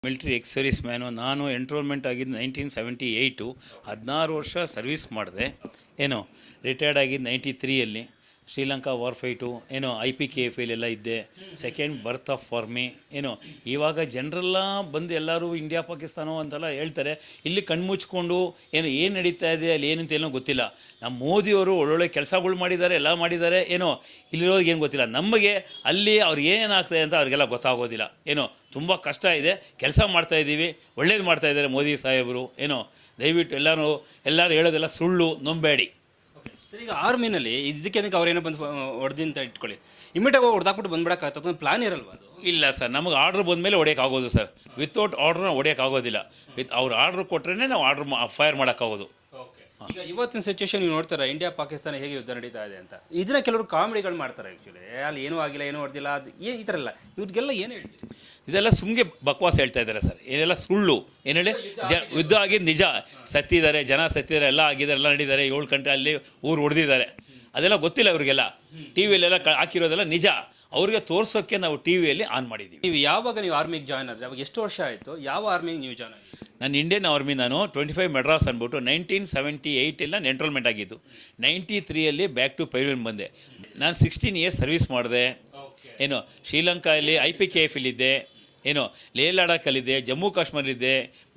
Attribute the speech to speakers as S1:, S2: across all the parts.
S1: Military ex service man. ನಾನು enrollment ಆಗಿದ್ದು 1978. 16 ವರ್ಷ ಸರ್ವಿಸ್ ಮಾಡಿದೆ. ರಿಟೈರ್ಡ್ ಆಗಿದ್ದು 93ಯಲ್ಲಿ. ಶ್ರೀಲಂಕಾ ವಾರ್ ಫೈಟು IPKF ಎಲ್ಲ ಇದ್ದೆ. Second birth of for me. ಇವಾಗ ಜನರೆಲ್ಲ ಬಂದು ಎಲ್ಲರೂ ಇಂಡಿಯಾ ಪಾಕಿಸ್ತಾನ ಅಂತೆಲ್ಲ ಹೇಳ್ತಾರೆ. ಇಲ್ಲಿ ಕಣ್ಮುಚ್ಕೊಂಡು ಏನು ನಡೀತಾ ಇದೆ ಅಲ್ಲಿ ಏನಂತ ಏನೋ ಗೊತ್ತಿಲ್ಲ. ನಮ್ಮ ಮೋದಿಯವರು ಒಳ್ಳೊಳ್ಳೆ ಕೆಲಸಗಳು ಮಾಡಿದ್ದಾರೆ, ಎಲ್ಲ ಮಾಡಿದ್ದಾರೆ. ಇಲ್ಲಿರೋರಿಗೆ ಏನು ಗೊತ್ತಿಲ್ಲ. ನಮಗೆ ಅಲ್ಲಿ ಅವ್ರು ಏನಾಗ್ತದೆ ಅಂತ ಅವ್ರಿಗೆಲ್ಲ ಗೊತ್ತಾಗೋದಿಲ್ಲ. ತುಂಬ ಕಷ್ಟ ಇದೆ. ಕೆಲಸ ಮಾಡ್ತಾಯಿದ್ದೀವಿ, ಒಳ್ಳೇದು ಮಾಡ್ತಾಯಿದ್ದಾರೆ ಮೋದಿ ಸಾಹೇಬರು. ದಯವಿಟ್ಟು ಎಲ್ಲರೂ ಹೇಳೋದೆಲ್ಲ ಸುಳ್ಳು, ನಂಬೇಡಿ.
S2: ಸರ್, ಈಗ ಆರ್ಮಿನಲ್ಲಿ ಇದಕ್ಕೆ ಅವ್ರೇನೋ ಬಂದು ಹೊಡೆದಿಂತ ಇಟ್ಕೊಳ್ಳಿ, ಇಮಿಡಿಯೇಟ್ ಹೊಡೆದಾಕ್ಬಿಟ್ಟು ಬಂದ್ಬಿಡೋಕ್ಕಾಗ್ತದೆ, ಪ್ಲಾನ್ ಇರಲ್ವ ಅದು?
S1: ಇಲ್ಲ ಸರ್, ನಮಗೆ ಆರ್ಡ್ರ್ ಬಂದಮೇಲೆ ಹೊಡೆಯೋಕ್ಕಾಗೋದು ಸರ್. ವಿತೌಟ್ ಆರ್ಡ್ರನ್ನ ಹೊಡೆಯೋಕ್ಕಾಗೋದಿಲ್ಲ. ಅವ್ರು ಆರ್ಡ್ರ್ ಕೊಟ್ಟರೆ ನಾವು ಆರ್ಡ್ರ್ ಫೈರ್ ಮಾಡೋಕ್ಕಾಗೋದು.
S2: ಈಗ ಇವತ್ತಿನ ಸಿಚುವೇಶನ್ ನೀವು ನೋಡ್ತಾರೆ, ಇಂಡಿಯಾ ಪಾಕಿಸ್ತಾನ ಹೇಗೆ ಯುದ್ಧ ನಡೀತಾ ಇದೆ ಅಂತ. ಇದನ್ನ ಕೆಲವರು ಕಾಮಿಡಿಗಳು ಮಾಡ್ತಾರೆ. ಆ್ಯಕ್ಚುಲಿ ಅಲ್ಲಿ ಏನೂ ಆಗಿಲ್ಲ, ಏನೂ ಹೊಡೆದಿಲ್ಲ, ಅದು ಈ ಥರ ಎಲ್ಲ ಇವ್ರಿಗೆಲ್ಲ ಏನು ಹೇಳ್ತೀವಿ?
S1: ಇದೆಲ್ಲ ಸುಮ್ಗೆ ಬಕ್ವಾಸ್ ಹೇಳ್ತಾ ಇದ್ದಾರೆ ಸರ್. ಏನೆಲ್ಲ ಸುಳ್ಳು. ಏನು ಹೇಳಿ, ಯುದ್ಧ ಆಗಿದ್ದು ನಿಜ. ಸತ್ತಿದ್ದಾರೆ, ಜನ ಸತ್ತಿದ್ದಾರೆ, ಎಲ್ಲ ಆಗಿದ್ದಾರೆ, ಎಲ್ಲ ನಡೀತಾರೆ. 7 ಗಂಟೆ ಅಲ್ಲಿ ಊರು ಹೊಡೆದಿದ್ದಾರೆ. ಅದೆಲ್ಲ ಗೊತ್ತಿಲ್ಲ ಅವರಿಗೆಲ್ಲ. ಟಿ ವಿಯಲ್ಲೆಲ್ಲ ಹಾಕಿರೋದೆಲ್ಲ ನಿಜ. ಅವ್ರಿಗೆ ತೋರಿಸೋಕ್ಕೆ ನಾವು ಟಿ ವಿಯಲ್ಲಿ ಆನ್ ಮಾಡಿದ್ದೀವಿ.
S2: ಯಾವಾಗ ನೀವು ಆರ್ಮಿಗೆ ಜಾಯ್ನ್ ಆದರೆ ಅವಾಗ ಎಷ್ಟು ವರ್ಷ ಆಯಿತು? ಯಾವ ಆರ್ಮಿಗೆ ನೀವು ಜಾಯ್ನ್ ಆಗಿ?
S1: ನಾನು ಇಂಡಿಯನ್ ಆರ್ಮಿ. ನಾನು 25 ಮೆಡ್ರಾಸ್ ಅಂದ್ಬಿಟ್ಟು 1978 ನಾನು ಎನ್ರೋಲ್ಮೆಂಟ್ ಆಗಿದ್ದು. 93ಯಲ್ಲಿ ಬ್ಯಾಕ್ ಟು ಪೈಲ್ವೆನ್ ಬಂದೆ. ನಾನು 16 ಇಯರ್ಸ್ ಸರ್ವಿಸ್ ಮಾಡಿದೆ. ಶ್ರೀಲಂಕಾದಲ್ಲಿ IPKFಲ್ಲಿದ್ದೆ. ಲೇ ಲಡಾಖಲ್ಲಿದ್ದೆ, ಜಮ್ಮು ಕಾಶ್ಮೀರಲ್ಲಿದ್ದೆ.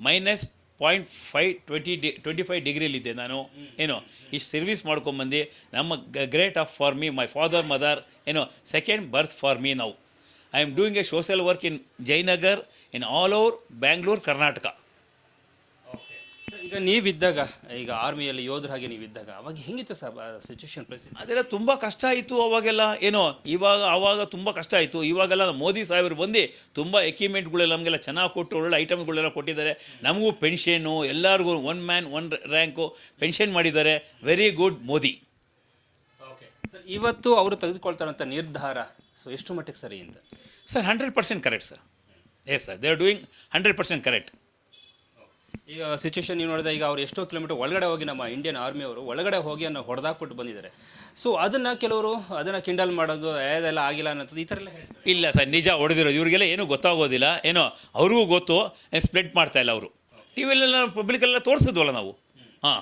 S1: -0.25 ಡಿಗ್ರಿಲಿದ್ದೆ ನಾನು. ಇಷ್ಟು ಸರ್ವಿಸ್ ಮಾಡ್ಕೊಂಬಂದು ನಮ್ಮ great of for me, my father mother. Second birth for me now. I am doing a social work in Jayanagar, in all over Bangalore, Karnataka.
S2: ಈಗ ನೀವಿದ್ದಾಗ, ಈಗ ಆರ್ಮಿಯಲ್ಲಿ ಯೋಧರ ಹಾಗೆ ನೀವಿದ್ದಾಗ ಅವಾಗ ಹೆಂಗಿತ್ತು ಸರ್ ಸಿಚುವೇಶನ್ ಪರಿಸ್ಥಿತಿ?
S1: ಅದೆಲ್ಲ ತುಂಬ ಕಷ್ಟ ಆಯಿತು ಅವಾಗೆಲ್ಲ. ಆವಾಗ ತುಂಬ ಕಷ್ಟ ಆಯಿತು. ಇವಾಗೆಲ್ಲ ಮೋದಿ ಸಾಹೇಬರು ಬಂದು ತುಂಬ ಎಕ್ವಿಪ್ಮೆಂಟ್ಗಳೆಲ್ಲ ನಮಗೆಲ್ಲ ಚೆನ್ನಾಗಿ ಕೊಟ್ಟು ಒಳ್ಳೆ ಐಟಮ್ಗಳೆಲ್ಲ ಕೊಟ್ಟಿದ್ದಾರೆ. ನಮಗೂ ಪೆನ್ಷನ್ನು, ಎಲ್ಲರಿಗೂ 1 ಮ್ಯಾನ್ 1 ರ್ಯಾಂಕು ಪೆನ್ಷನ್ ಮಾಡಿದ್ದಾರೆ. Very good Modi.
S2: ಸರ್, ಇವತ್ತು ಅವರು ತೆಗೆದುಕೊಳ್ತಾರಂಥ ನಿರ್ಧಾರ ಎಷ್ಟು ಮಟ್ಟಿಗೆ ಸರಿ ಅಂತ?
S1: Sir, 100% correct sir. Yes sir, they are doing 100% correct.
S2: ಈಗ ಸಿಚುವೇಶನ್ ನೀವು ನೋಡಿದ್ರೆ, ಈಗ ಅವ್ರು ಎಷ್ಟೋ ಕಿಲೋಮೀಟರ್ ಒಳಗಡೆ ಹೋಗಿ ನಮ್ಮ ಇಂಡಿಯನ್ ಆರ್ಮಿಯವರು ಒಳಗಡೆ ಹೋಗಿ ಅನ್ನೋ ಹೊಡೆದಾಕ್ಬಿಟ್ಟು ಬಂದಿದ್ದಾರೆ. ಸೊ ಅದನ್ನು ಕೆಲವರು ಅದನ್ನು ಕಿಂಡಲ್ ಮಾಡೋದು, ಅದೆಲ್ಲ ಆಗಿಲ್ಲ ಅನ್ನೋದು, ಈ ಥರ ಎಲ್ಲ ಹೇಳ್ತಾರೆ.
S1: ಇಲ್ಲ ಸರ್, ನಿಜ ಹೊಡೆದಿರೋದು. ಇವರಿಗೆಲ್ಲ ಏನೂ ಗೊತ್ತಾಗೋದಿಲ್ಲ. ಅವ್ರಿಗೂ ಗೊತ್ತು. ಸ್ಪ್ರೆಡ್ ಮಾಡ್ತಾಯಿಲ್ಲ ಅವರು. ಟಿ ವಿಲೆಲ್ಲ ಪಬ್ಲಿಕಲ್ಲೆಲ್ಲ ತೋರಿಸಿದ್ವಲ್ಲ ನಾವು. ಹಾಂ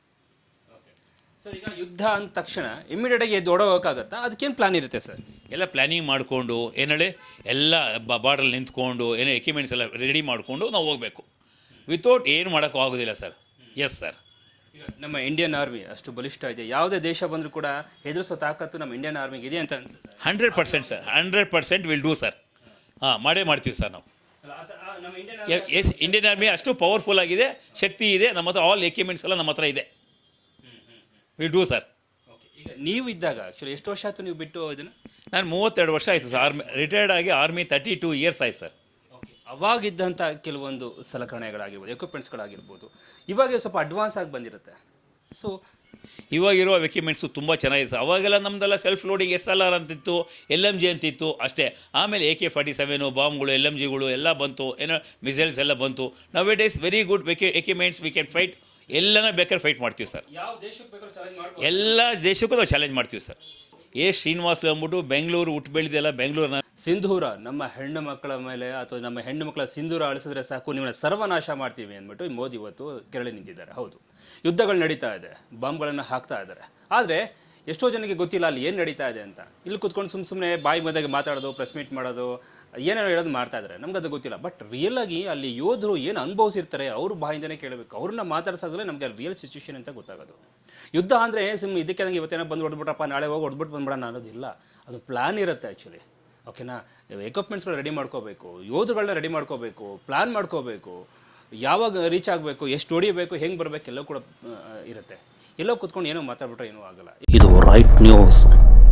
S2: ಸರ್, ಈಗ ಯುದ್ಧ ಅಂದ ತಕ್ಷಣ ಇಮಿಡಿಯೇಟಾಗಿ ಎದ್ದು ಓಡೋಗೋಕ್ಕಾಗತ್ತಾ? ಅದಕ್ಕೇನು ಪ್ಲಾನ್ ಇರುತ್ತೆ ಸರ್?
S1: ಎಲ್ಲ ಪ್ಲ್ಯಾನಿಂಗ್ ಮಾಡಿಕೊಂಡು ಹೇಳಿ ಎಲ್ಲ ಬಾರ್ಡ್ರಲ್ಲಿ ನಿಂತ್ಕೊಂಡು ಎಕ್ವಿಪ್ಮೆಂಟ್ಸ್ ಎಲ್ಲ ರೆಡಿ ಮಾಡಿಕೊಂಡು ನಾವು ಹೋಗಬೇಕು. ವಿತೌಟ್ ಏನು ಮಾಡೋಕ್ಕೂ ಆಗೋದಿಲ್ಲ ಸರ್. Yes sir.
S2: ಈಗ ನಮ್ಮ ಇಂಡಿಯನ್ ಆರ್ಮಿ ಅಷ್ಟು ಬಲಿಷ್ಠ ಇದೆ, ಯಾವುದೇ ದೇಶ ಬಂದರೂ ಕೂಡ ಹೆದರಿಸೋ ತಾಕತ್ತು ನಮ್ಮ ಇಂಡಿಯನ್ ಆರ್ಮಿಗೆ ಇದೆ ಅಂತ ಅನ್ಸುತ್ತೆ?
S1: 100% ಸರ್. 100% will do sir. ಹಾಂ, ಮಾಡ್ತೀವಿ ಸರ್ ನಾವು. ಎಸ್, ಇಂಡಿಯನ್ ಆರ್ಮಿ ಅಷ್ಟು ಪವರ್ಫುಲ್ ಆಗಿದೆ, ಶಕ್ತಿ ಇದೆ. ನಮ್ಮ ಹತ್ರ ಆಲ್ ಎಕ್ವಿಪ್ಮೆಂಟ್ಸ್ ಎಲ್ಲ ನಮ್ಮ ಹತ್ರ ಇದೆ. Will do sir.
S2: ಈಗ ನೀವು ಇದ್ದಾಗ ಆ್ಯಕ್ಚುಲಿ ಎಷ್ಟು ವರ್ಷ ಆಯಿತು ನೀವು ಬಿಟ್ಟು ಇದನ್ನು?
S1: ನಾನು 32 ವರ್ಷ ಆಯಿತು ಸರ್. ರಿಟೈರ್ಡ್ ಆಗಿ ಆರ್ಮಿ 32 ಇಯರ್ಸ್ ಆಯ್ತು ಸರ್.
S2: ಅವಾಗಿದ್ದಂಥ ಕೆಲವೊಂದು ಸಲಕರಣೆಗಳಾಗಿರ್ಬೋದು, ಎಕ್ವಿಪ್ಮೆಂಟ್ಸ್ಗಳಾಗಿರ್ಬೋದು, ಇವಾಗ ಸ್ವಲ್ಪ ಅಡ್ವಾನ್ಸ್ ಆಗಿ ಬಂದಿರುತ್ತೆ. ಸೊ
S1: ಇವಾಗಿರೋ ಎಕ್ವಿಪ್ಮೆಂಟ್ಸು ತುಂಬ ಚೆನ್ನಾಗಿದೆ ಸರ್. ಅವಾಗೆಲ್ಲ ನಮ್ಮದೆಲ್ಲ ಸೆಲ್ಫ್ ಲೋಡಿಂಗ್ SLR ಅಂತಿತ್ತು, LMG ಅಂತಿತ್ತು ಅಷ್ಟೇ. ಆಮೇಲೆ AK-47 ಬಾಂಬ್ಗಳು, LMGಗಳು ಎಲ್ಲ ಬಂತು. ಮಿಸೈಲ್ಸ್ ಎಲ್ಲ ಬಂತು. Now it is very good equipments. We can fight. ಎಲ್ಲನ ಬೇಕಾದ್ರೆ ಫೈಟ್ ಮಾಡ್ತೀವಿ ಸರ್.
S2: ಯಾವ ದೇಶಕ್ಕೆ ಬೇಕಾದ್ರೂ ಚಾಲೆಂಜ್ ಮಾಡ್ಬೋದು.
S1: ಎಲ್ಲ ದೇಶಕ್ಕೂ ನಾವು ಚಾಲೆಂಜ್ ಮಾಡ್ತೀವಿ ಸರ್. ಶ್ರೀನಿವಾಸ್ಲು ಅಂದ್ಬಿಟ್ಟು ಬೆಂಗಳೂರು ಹುಟ್ಟು ಬೆಳೆದಿಲ್ಲ. ಬೆಂಗಳೂರಿನ
S2: ಸಿಂಧೂರ ನಮ್ಮ ಹೆಣ್ಣು ಮಕ್ಕಳ ಮೇಲೆ ಅಥವಾ ನಮ್ಮ ಹೆಣ್ಣು ಮಕ್ಕಳ ಸಿಂಧೂರ ಅಳಿಸಿದ್ರೆ ಸಾಕು, ನಿಮ್ಮನ್ನ ಸರ್ವನಾಶ ಮಾಡ್ತೀವಿ ಅಂದ್ಬಿಟ್ಟು ಮೋದಿ ಇವತ್ತು ಕೆರಳಿ ನಿಂತಿದ್ದಾರೆ. ಹೌದು, ಯುದ್ಧಗಳು ನಡೀತಾ ಇದೆ, ಬಾಂಬ್ಗಳನ್ನು ಹಾಕ್ತಾ ಇದ್ದಾರೆ. ಆದರೆ ಎಷ್ಟೋ ಜನಕ್ಕೆ ಗೊತ್ತಿಲ್ಲ ಅಲ್ಲಿ ಏನು ನಡೀತಾ ಇದೆ ಅಂತ. ಇಲ್ಲಿ ಕೂತ್ಕೊಂಡು ಸುಮ್ಮನೆ ಬಾಯಿ ಮಧ್ಯೆ ಮಾತಾಡೋದು, ಪ್ರೆಸ್ ಮೀಟ್ ಮಾಡೋದು, ಏನೇನೋ ಹೇಳೋದು ಮಾಡ್ತಾ ಇದ್ದಾರೆ. ನಮ್ಗೆ ಅದು ಗೊತ್ತಿಲ್ಲ. ಬಟ್ ರಿಯಲಾಗಿ ಅಲ್ಲಿ ಯೋಧರು ಏನು ಅನುಭವಿಸಿರ್ತಾರೆ ಅವ್ರ ಬಾಯಿಂದನೇ ಕೇಳಬೇಕು. ಅವ್ರನ್ನ ಮಾತಾಡ್ಸಾಗಲೇ ನಮಗೆ ರಿಯಲ್ ಸಿಚುವೇಶನ್ ಅಂತ ಗೊತ್ತಾಗೋದು. ಯುದ್ಧ ಅಂದರೆ ಸುಮ್ಮನೆ ಇದಕ್ಕೆ ನಂಗೆ ಇವತ್ತೇನೋ ಬಂದು ಹೊಡ್ಬಿಟ್ರಪ್ಪ, ನಾಳೆ ಹೋಗಿ ಹೊಡ್ಬಿಟ್ಟು ಬಂದ್ಬಿಡೋಣ ಅನ್ನೋದಿಲ್ಲ. ಅದು ಪ್ಲ್ಯಾನ್ ಇರುತ್ತೆ ಆ್ಯಕ್ಚುಲಿ. ಓಕೆನಾ? ಎಕ್ವಿಪ್ಮೆಂಟ್ಸ್ಗಳು ರೆಡಿ ಮಾಡ್ಕೋಬೇಕು, ಯೋಧಗಳನ್ನ ರೆಡಿ ಮಾಡ್ಕೋಬೇಕು, ಪ್ಲ್ಯಾನ್ ಮಾಡ್ಕೋಬೇಕು, ಯಾವಾಗ ರೀಚ್ ಆಗಬೇಕು, ಎಷ್ಟು ಹೊಡಿಬೇಕು, ಹೆಂಗೆ ಬರಬೇಕು, ಎಲ್ಲವೂ ಕೂಡ ಇರುತ್ತೆ. ಎಲ್ಲೋ ಕೂತ್ಕೊಂಡು ಏನೋ ಮಾತಾಡ್ಬಿಟ್ರೆ ಏನೂ ಆಗಲ್ಲ.
S3: ಇದು ರೈಟ್ ನ್ಯೂಸ್.